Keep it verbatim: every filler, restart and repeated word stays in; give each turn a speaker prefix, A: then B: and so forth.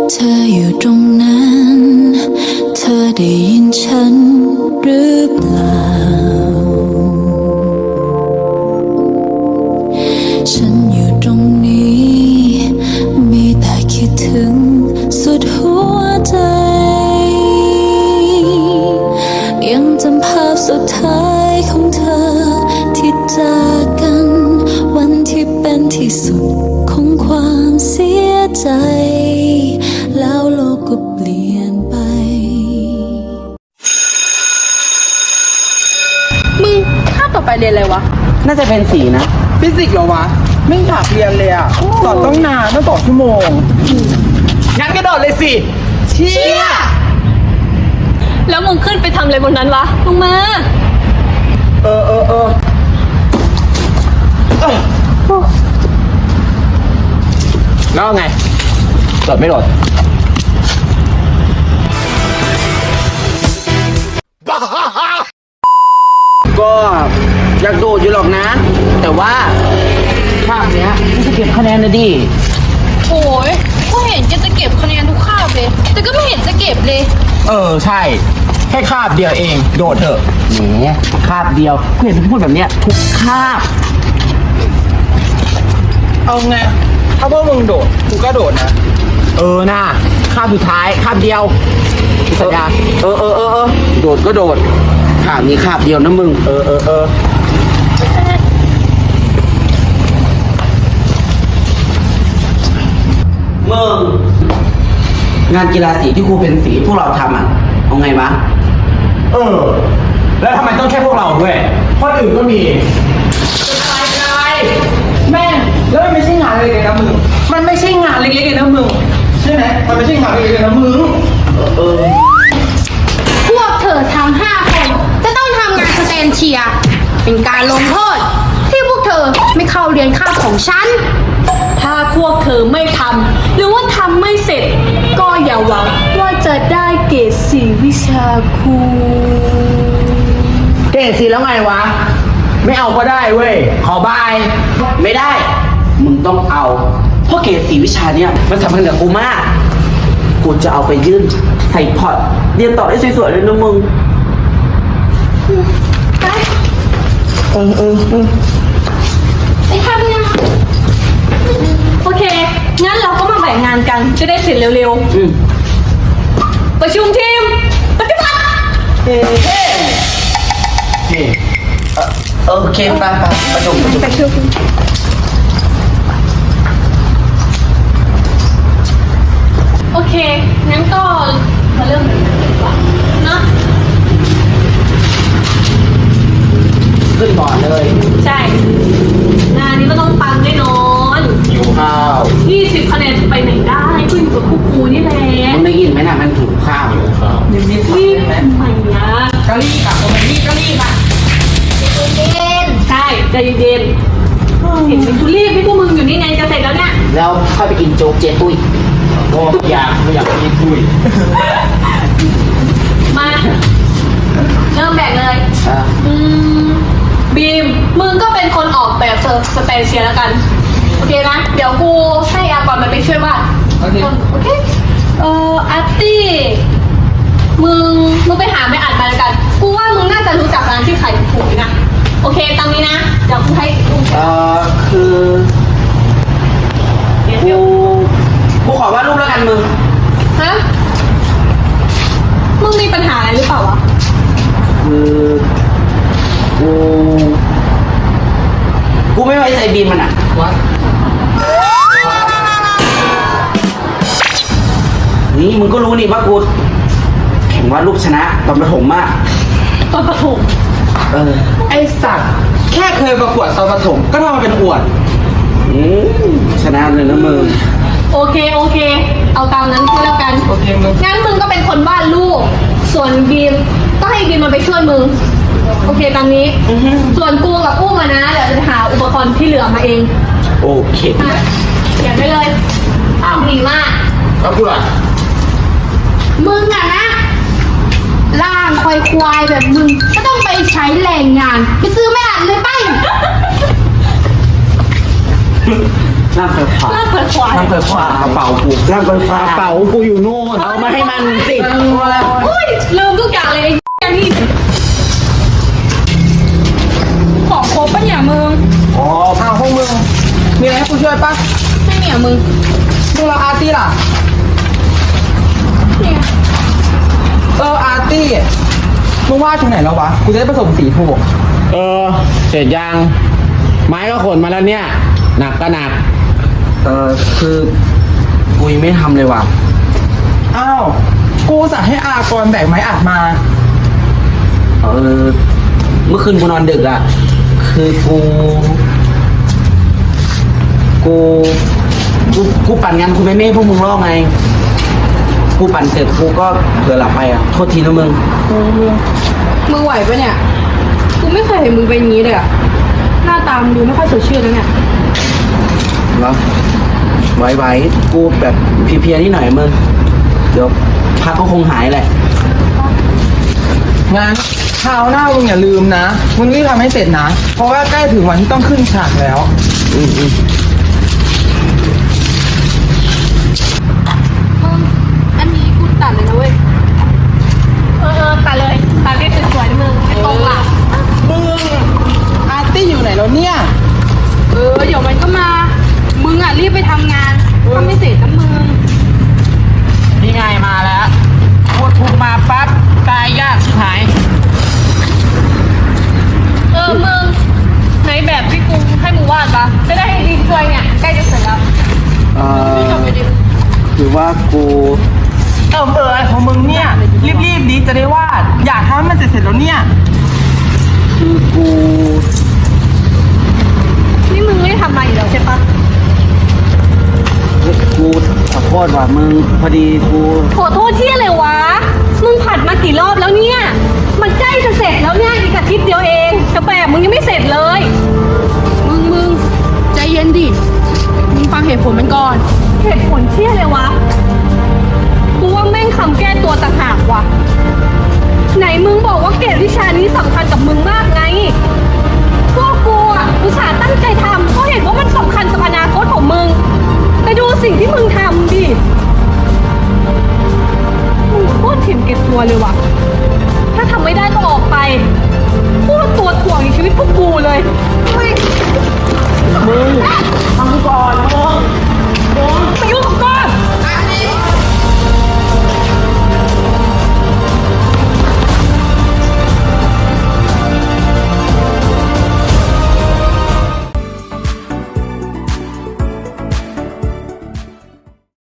A: เธออยู่ตรงนั้น เธอได้ยินฉันหรือเปล่า ฉันอยู่ตรงนี้ มีแต่คิดถึงสุดหัวใจ ยังจำภาพสุดท้ายของเธอที่จากกัน วันที่เป็นที่สุดของความเสียใจ แล้วโลกก็เปลี่ยนไป
B: มึงข้าต่อไปเรียนอะไรวะ
C: น่าจะเป็นสีนะ
D: ฟิสิกส์เหรอวะ ไม่อยากเรียนเลยอ่ะสอนต้องนานต้องต่อชั่วโมง
C: งั้นกระโดดเลยสิ
D: เชี่ย
B: แล้วมึงขึ้นไปทำอะไรบนนั้นวะลงมา
D: เออเออเออเออ
C: แล้วไงโดดไม่โดด ก็อยากโดดอยู่หรอกนะ แต่ว่าภาพเนี้ยไม่จะเก็บคะแนนนะดิ
B: โอ้ยก็เห็นแกจะเก็บคะแนนทุกคาบเลย แต่ก็ไม่เห็นจะเก็บเลย
C: เออใช่ แค่คาบเดียวเอง โดดเถอะแหมคาบเดียวกูเห็นพูดแบบเนี้ยทุกคาบ
D: เอาไง ถ้าพวกมึงโดด กูก็โดดนะ
C: เออน่าคาบสุดท้ายคาบเดียวสัญญาเออเออเออเออโดดก็โดดคาบนี้คาบเดียวนะมึง เออเออเออมึงงานกีฬาสีที่ครูเป็นสีพวกเราทำอ่ะเอาไงวะ
E: เออ แล้วทำไมต้องแค่พวกเราด้วยคนอื่นก็มี
D: แม่งแล้วมันไม่ใช่งานเล็กๆนะมึง มันไม่ใช่งานเล็กๆเลยนะมึง ใช่ไหมมันไม่ใช่งานเล็กๆเลยนะมึง
C: เออ
F: พวกเธอทั้งห้าคนจะต้องทำงานสแตนเชียร์เป็นการลงโทษ ที่พวกเธอไม่เข้าเรียนคาบของฉัน
B: ถ้าพวกเธอไม่ทำหรือว่าทำไม่เสร็จ ก็อย่าหวังว่าจะได้เกรดสี่วิชาครู
C: เก่งสิแล้วไงวะ ไม่เอาก็ได้เว้ย ขอบาย ไม่ได้ มึงต้องเอา เพราะเกรดสีวิชาเนี้ยมันสำคัญกับกูมาก กูจะเอาไปยื่นใส่พอร์ตเรียนต่อได้สวยๆเลยนะมึง
F: ไป
C: เออเออเออ
F: ไปทำงาน
B: โอเค งั้นเราก็มาแบ่งงานกัน จะได้เสร็จเร็ว
C: อืม
B: ๆ ประชุมทีม ปฏิบัติ
C: เฮ้เฮ้เฮ้เออโอเคไปไปประชุมประชุม
B: ประชุม โอเค งั้นก็มาเริ่มกันดีกว่าเนาะ
C: ขึ้นก่อนเลย
B: ใช่ งานนี้ก็ต้องปังแน่นอน
C: หิวข้าว
B: ยี่สิบคะแนนจะไปไหนได้ก็อยู่กับพวกกูนี่แหละ
C: มันได้ยินไหมน่ะมันถูกข้าวอยู่ข้าว
D: เดี๋ยวนี้
B: รีบทำไมนะ
D: กะลี่กลับมาแบบนี้กะลี่มา
B: ใช่ใจเย็นๆเห็นเป็นกูรีบพี่พวกมึงอยู่นี่ไงจะเสร็จแล้วเนี่ย
C: แล้วค่อยไปกินโจ๊กเจ๊ตุ้ย
E: โอ้อยากไม่อยากกินคุย
B: มา เริ่มแบ่งเลย
C: อ่ะ
B: อืมบีม มึงก็เป็นคนออกแบบสเตเชียแล้วกัน โอเคนะ เดี๋ยวกูให้อากรมันไปช่วยวาด
D: โอเค
B: โอเค เอ่ออาร์ตี้ มึง มึงไปหาไม่อ่านมาแล้วกัน กูว่ามึงน่าจะรู้จักร้านที่ขายถูกๆนะ โอเคตามนี้นะ เดี๋ยวกูให้ดู
C: เอ่อคือ
B: เดี๋ยว
C: กูกูขอวาดรูปแล้วกันมึง
B: ฮะ มึงมีปัญหาอะไรหรือเปล่าวะ
C: คือกูกูไม่ไว้ใจบีมมันอ่ะ
D: วัด
C: นี่มึงก็รู้นี่ว่ากูแข่งวาดรูปชนะตอนประถมมาก
B: ตอนประถม
C: เออ
D: ไอสัตว์ แค่เคยประกวดตอนประถมก็ทำมาเป็นอวด
C: อืมชนะเลยนะมึง
B: โอเค โอเค เอาตามนั้นก็แล้วกัน
D: โอเคมึง
B: งั้นมึงก็เป็นคนวาดรูป ส่วนบีมก็ให้บีมมันไปช่วยมึง โอเคตามนี้ ส่วนกูกับอุ้มอะนะ เดี๋ยวจะหาอุปกรณ์ที่เหลือมาเอง
C: โอเค
B: อ่ะเขียนไปเลย อ้าวดีมาก
E: แล้วกูล่ะ
F: มึงอะนะร่างควายควายๆแบบมึงก็ต้องไปใช้แรงงาน ไปซื้อไม่อ่านเลยไป
C: ร่างควายควาย
B: ลากเปิดขวาน
C: ไฟฟ้ากระเป๋ากูร่างไฟฟ้ากระเป๋ากูอยู่นู่นเอามาให้มันสิ
B: อุ้ยลืมทุกอย่างเลยไอ้แกนี่ของครบปะเนี่ยมึง
D: อ๋ออ้าวพวกมึง มีอะไรให้กูช่วยปะ
F: ไม่เนี่ยมึง
D: มึงรออาร์ตี้ล่ะ
F: เนี่ย
D: เอออาร์ตี้ มึงวาดถึงไหนแล้ววะ กูจะได้ผสมสีถูก
C: เออเสร็จยังไม้ก็ขนมาแล้วเนี่ยหนักก็หนักเออคือกูยังไม่ทำเลยว่ะ
D: อ้าว กูสั่งให้อากรแบกไม้อัดมา
C: เออเมื่อคืนกูนอนดึกอ่ะคือกูกูกูกูปั่นงานกูไม่ไม่ให้พวกมึงรอไงกูปั่นเสร็จกูก็เผลอหลับไปอ่ะโทษทีนะมึง
F: มึงไหวปะเนี่ย กูไม่เคยเห็นมึงเป็นอย่างนี้เลยอะหน้าตามึงดูไม่ค่อยสดชื่นแล้วเนี่ย
C: เหรอไว้ไว้กูแบบเพลียๆนิดหน่อยมึงเดี๋ยวพักก็คงหายแหละ
D: งั้นคราวหน้ามึงอย่าลืมนะ มึงรีบทำให้เสร็จนะ เพราะว่าใกล้ถึงวันที่ต้องขึ้นฉากแล้ว
C: อืมอืม
F: มึง อันนี้กูตัดเลยนะเว้ย
B: เออเออตัดเลยตัดได้สวยๆนะมึงไม่ตรงหลัก
D: มึง อาร์ตี้อยู่ไหนแล้วเนี่ย
F: เออ เดี๋ยวมันก็มา มึงอ่ะรีบไปทำงานทำไม่เสร็จนะมึง
C: นี่ไงมาแล้วพูดถูกมาปั๊บตายยากชิบหาย
B: เออมึงไหนแบบที่กูให้มึงวาดปะจะได้ให้ดีช่วยเนี่ยใกล้จะเสร็จแล้ว
C: เออคือว่ากู
D: เออเอออะไรของมึงเนี่ย รีบๆดิจะได้วาด อยากทำให้มันเสร็จๆแล้วเนี่ย
C: คือกู
B: นี่มึงไม่ได้ทำมาอีกแล้วใช่ปะ
C: กูขอโทษว่ะมึงพอดีกู
B: ขอโทษที่อะไรวะ มึงผัดมากี่รอบแล้วเนี่ย มันใกล้จะเสร็จแล้วเนี่ยอีกอาทิตย์เดียวเองแต่แบบมึงยังไม่เสร็จเลย
F: มึงมึงใจเย็นดิ มึงฟังเหตุผลมันก่อน
B: เหตุผลที่อะไรวะ กูว่าแม่งคำแก้ตัวต่างหากว่ะ ไหนมึงบอกว่าเกรดวิชานี้สำคัญกับมึงมาก